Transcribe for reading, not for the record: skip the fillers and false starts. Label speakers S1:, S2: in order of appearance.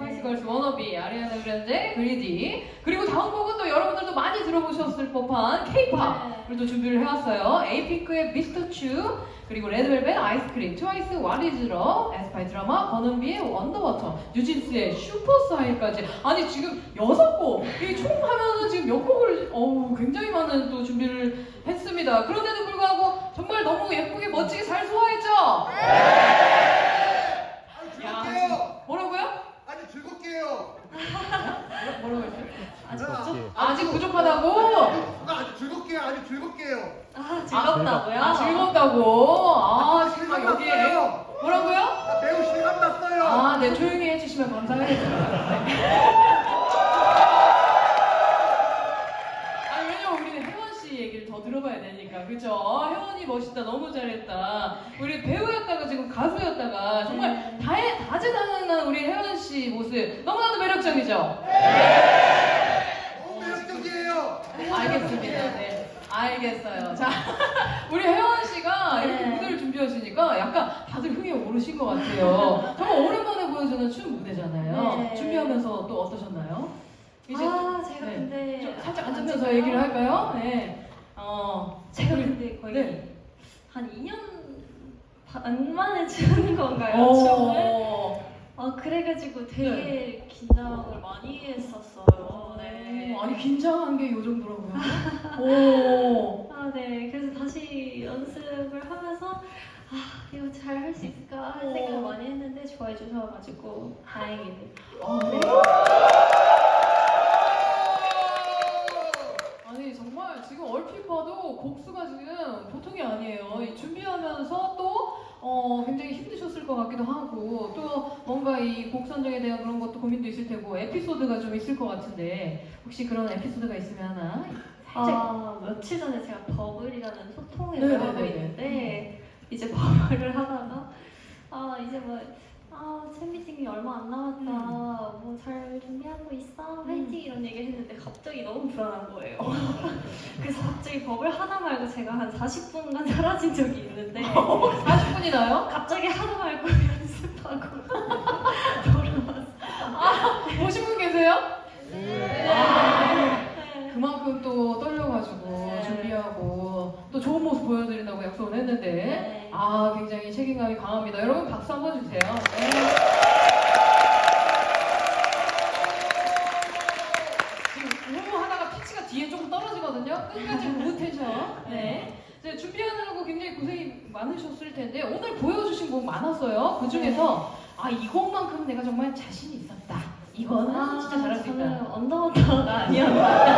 S1: 스파이시 걸스 워너비, 아리아나 그란데, 그리디. 그리고 다음 곡은 또 여러분들도 많이 들어보셨을 법한 K-팝을 또 준비를 해왔어요. 에이핑크의 미스터 츄, 그리고 레드벨벳 아이스크림, 트와이스 와리즈러, 에스파이 드라마, 버넌비의 원더워터, 뉴진스의 슈퍼사이까지. 아니 지금 6곡, 이 총 하면은 지금 몇 곡을 굉장히 많은 또 준비를 했습니다. 그런데도 불구하고 정말 너무 예쁘게 멋지게 잘 소화했죠?
S2: 즐겁게요.
S1: 뭐라고요?
S2: 아니 즐겁게요.
S1: 뭐라고 했어요?
S3: 아직 없지.
S1: 아직 부족하다고?
S2: 아주 즐겁게요. 아주 즐겁게요.
S4: 아, 즐겁다고요?
S1: 아, 즐겁다고? 아, 정말 여기에
S2: 났어요.
S1: 뭐라고요?
S2: 나 매우 실감 났어요.
S1: 아, 네, 조용히 해주시면 감사하겠습니다. 아니, 왜냐면 우리는 혜원 씨 얘기를 더 들어봐야 되니까, 그죠? 혜원이 멋있다, 너무 잘했다. 우리 배우였다가 지금 가수였다가 정말 다재다능한 우리 혜원 씨 모습 너무나도 매력적이죠?
S2: 너무 매력적이에요.
S1: 알겠습니다. 네, 알겠어요. 자, 우리 혜원 씨가 이렇게 무대를 준비하시니까 약간 다들 흥이 오르신 것 같아요. 정말 오랜만에 보여주는 춤 무대잖아요.
S4: 네.
S1: 준비하면서 또 어떠셨나요? 이제
S4: 아, 제가
S1: 네.
S4: 근데
S1: 좀 살짝 앉으면서 얘기를 할까요? 네.
S4: 제가
S1: 우리-
S4: 근데 거의
S1: 네.
S4: 한 2년 반 만에 추는 건가요? 춤을? 그래가지고 되게 긴장을 많이 했었어요. 네.
S1: 아니 긴장한 게 요 정도라고요? 오.
S4: 네. 그래서 다시 연습을 하면서 이거 잘 할 수 있을까 할 생각을 많이 했는데 좋아해 주셔가지고 다행이네요.
S1: 네. 아니 정말 지금 얼핏 봐도 곡수가 지금 보통이 아니에요. 이 준비하면서 또 굉장히 힘드셨을 것 같기도 하고 또 뭔가 이 곡 선정에 대한 그런 것도 고민도 있을 테고 에피소드가 좀 있을 것 같은데 혹시 그런 에피소드가 있으면 하나 살짝
S4: 며칠 전에 제가 버블이라는 소통을
S1: 네네네네.
S4: 하고 있는데 이제 버블을 하다가 이제 팬미팅이 얼마 안 남았다. 뭐 잘 준비하고 있어. 화이팅 이런 얘기를 했는데 갑자기 너무 불안한 거예요. 그래서 갑자기 버블 하다 말고 제가 한 40분간 사라진 적이 있는데
S1: 40분이나요?
S4: 갑자기 하다 말고 연습하고 돌아왔어요.
S1: 보신 분 계세요?
S4: 네.
S1: 그만큼 또 떨려가지고
S4: 네.
S1: 준비하고 또 좋은 모습 보여드린다고 약속을 했는데
S4: 네.
S1: 굉장히 책임감이 강합니다. 여러분 박수 한번 주세요. 네. 지금 우무 하다가 피치가 뒤에 조금 떨어지거든요. 끝까지 우무 텐션. 네. 이제 준비하느라고 굉장히 고생이 많으셨을 텐데 오늘 보여주신 곡 많았어요. 그 중에서 이 곡만큼 내가 정말 자신이 있었다. 이거는 진짜 잘할 수 있다.
S4: 저는 언더워터가 아니었나.